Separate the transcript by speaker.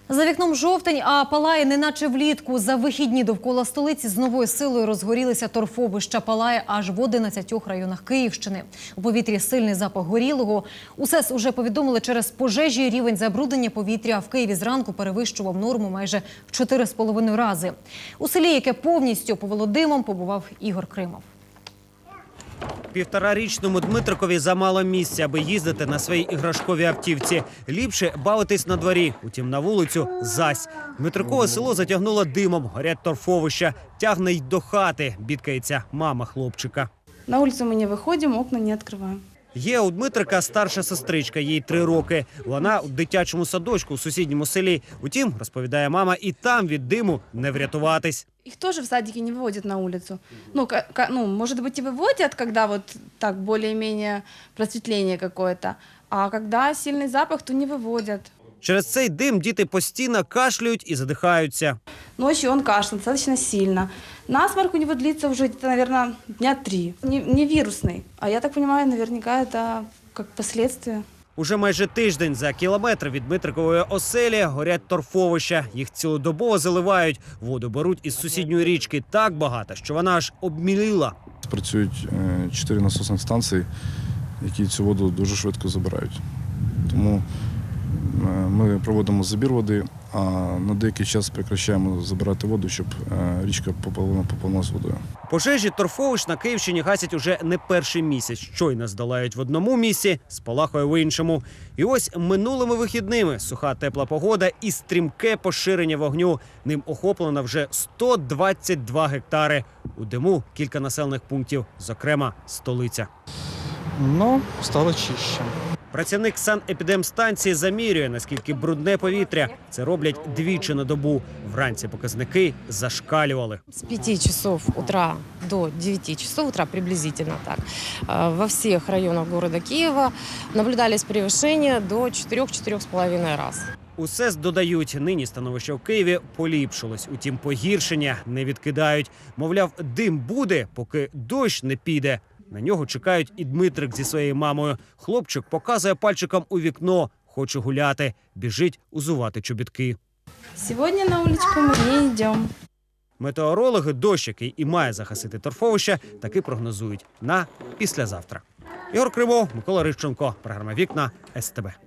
Speaker 1: За вікном жовтень, а палає неначе влітку. За вихідні довкола столиці з новою силою розгорілися торфовища. Палає аж в 11 районах Київщини. У повітрі сильний запах горілого. У СЕС уже повідомили, через пожежі рівень забруднення повітря в Києві зранку перевищував норму майже в 4,5 рази. У селі, яке повністю повело димом, побував Ігор Кримов.
Speaker 2: Півторарічному Дмитрикові замало місця, аби їздити на своїй іграшковій автівці. Ліпше бавитись на дворі, утім на вулицю – зась. Дмитрикове село затягнуло димом, горять торфовища. Тягне й до хати, бідкається мама хлопчика.
Speaker 3: На вулицю ми не виходимо, окна не відкриваємо.
Speaker 2: Є у Дмитрика старша сестричка, їй 3 роки. Вона у дитячому садочку у сусідньому селі. Утім, розповідає мама, і там від диму не врятуватись.
Speaker 3: Их тоже в садике не выводят на улицу. Может быть, и выводят, когда вот так более-менее просветление какое-то. А когда сильный запах, то не выводят.
Speaker 2: Через цей дим діти постійно кашлюють і задихаються.
Speaker 3: Ночью он кашляет достаточно сильно. Насморк у него длится уже где-то, наверное, дня 3. Не вирусный. А я так понимаю, наверняка это как последствие.
Speaker 2: Уже майже тиждень за кілометр від Дмитрикової оселі горять торфовища. Їх цілодобово заливають. Воду беруть із сусідньої річки так багато, що вона аж обміліла.
Speaker 4: Працюють 4 насосних станції, які цю воду дуже швидко забирають. Тому ми проводимо забір води, а на деякий час прекращаємо забирати воду, щоб річка поповнилась водою.
Speaker 2: Пожежі торфовищ на Київщині гасять уже не перший місяць. Щойно здолають в одному місці, спалахує в іншому. І ось минулими вихідними суха тепла погода і стрімке поширення вогню. Ним охоплено вже 122 гектари. У диму кілька населених пунктів, зокрема столиця.
Speaker 5: Стало чище.
Speaker 2: Працівник санепідемстанції замірює, наскільки брудне повітря. Це роблять двічі на добу. Вранці показники зашкалювали.
Speaker 6: С 5 часов утра до 9 часов утра, приблизительно так, во всех районах города Киева наблюдались превышения до 4-4,5 раз.
Speaker 2: У СЕС додають, нині становище в Києві поліпшилось. Утім, погіршення не відкидають. Мовляв, дим буде, поки дощ не піде. На нього чекають і Дмитрик зі своєю мамою. Хлопчик показує пальчиком у вікно. Хоче гуляти. Біжить узувати чобітки.
Speaker 3: Сегодня на уличку мы не идем.
Speaker 2: Метеорологи дощ, який і має загасити торфовище, таки прогнозують на післязавтра. Ігор Кримов, Микола Рищенко. Програма «Вікна» СТБ.